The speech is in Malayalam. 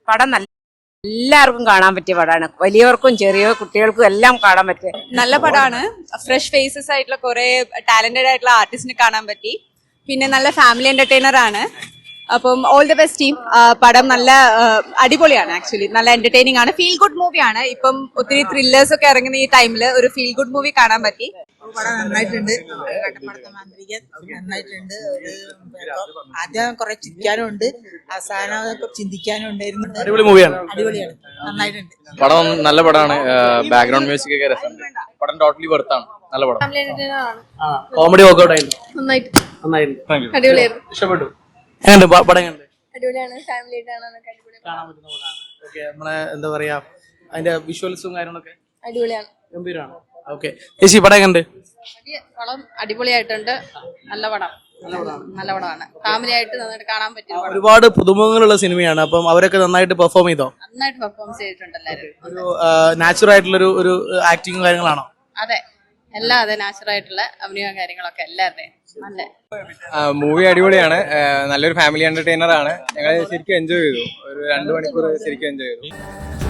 പടം നല്ല എല്ലാവർക്കും കാണാൻ പറ്റിയ പടമാണ്. വലിയവർക്കും ചെറിയ കുട്ടികൾക്കും എല്ലാം കാണാൻ പറ്റിയ നല്ല പടമാണ്. ഫ്രഷ് ഫേസസ് ആയിട്ടുള്ള കുറെ ടാലന്റഡ് ആയിട്ടുള്ള ആർട്ടിസ്റ്റിനെ കാണാൻ പറ്റി. പിന്നെ നല്ല ഫാമിലി എന്റർടൈനർ ആണ്. അപ്പം ഓൾ ദി ബെസ്റ്റ് ടീം. പടം നല്ല അടിപൊളിയാണ്. ആക്ച്വലി നല്ല എന്റർടൈനിങ് ആണ്. ഫീൽ ഗുഡ് മൂവിയാണ്. ഇപ്പം ഒത്തിരി ത്രില്ലേഴ്സ് ഒക്കെ ഇറങ്ങുന്ന ഈ ടൈമിൽ ഒരു ഫീൽ ഗുഡ് മൂവി കാണാൻ പറ്റി. പടം നന്നായിട്ടുണ്ട്. കട്ടപ്പടത്തെ മാന്ത്രികൻ നന്നായിട്ടുണ്ട്. ആദ്യം കുറെ ചിരിക്കാനും ഉണ്ട്, അവസാനം ചിന്തിക്കാനും ഉണ്ടായിരുന്നു. അടിപൊളി മൂവിയാണ്. അടിപൊളിയാണ്, നന്നായിട്ടുണ്ട്. പടം നല്ല പടമാണ്. ബാക്ക്ഗ്രൗണ്ട് മ്യൂസിക് ഒക്കെ രസമുണ്ട്. പടം ടോട്ടലി വെർത്താണ്. നല്ല പടം. കോമഡി വർക്ക്ഔട്ട് ആയിരുന്നു. നന്നായിട്ട് അടിപൊളിയായിരുന്നു. ഇഷ്ടപ്പെട്ടു. എങ്ങനെയുണ്ട് പടം? എങ്ങനെയുണ്ട്? അടിപൊളിയാണ്. ഫാമിലി ആയിട്ട് കാണാനൊക്കെ കാണാൻ പറ്റുന്ന പടമാണ്. ഓക്കെ, നമ്മളെ എന്താ പറയാ അതിന്റെ വിഷ്വൽസും കാര്യങ്ങളൊക്കെ അടിപൊളിയാണ്. ഗംഭീരമാണ്. ഓക്കെ ചേച്ചി, പടം എങ്ങനെയുണ്ട്? പടം അടിപൊളിയായിട്ടുണ്ട്. നല്ല പടം. നല്ല പടമാണ്. ഫാമിലി ആയിട്ട് നന്നായിട്ട് കാണാൻ പറ്റും. ഒരുപാട് പുതുമുഖങ്ങളുള്ള സിനിമയാണ്. അപ്പം അവരൊക്കെ നന്നായിട്ട് പെർഫോം ചെയ്തോ? നന്നായിട്ട് പെർഫോം ചെയ്തിട്ടുണ്ട് എല്ലാവരും. ഒരു നാച്ചുറൽ ആയിട്ടുള്ള ഒരു ആക്ടിങ് കാര്യങ്ങളാണോ? അതെ, എല്ലാം അതെ. നാച്ചുറൽ ആയിട്ടുള്ള അഭിനയവും കാര്യങ്ങളൊക്കെ എല്ലാവരുടെയും നല്ല മൂവി അടിപൊളിയാണ്. നല്ലൊരു ഫാമിലി എന്റർടൈനർ ആണ്. ഞങ്ങൾ ശരിക്കും എൻജോയ് ചെയ്തു. ഒരു 2 മണിക്കൂർ ശരിക്കും എൻജോയ് ചെയ്തു.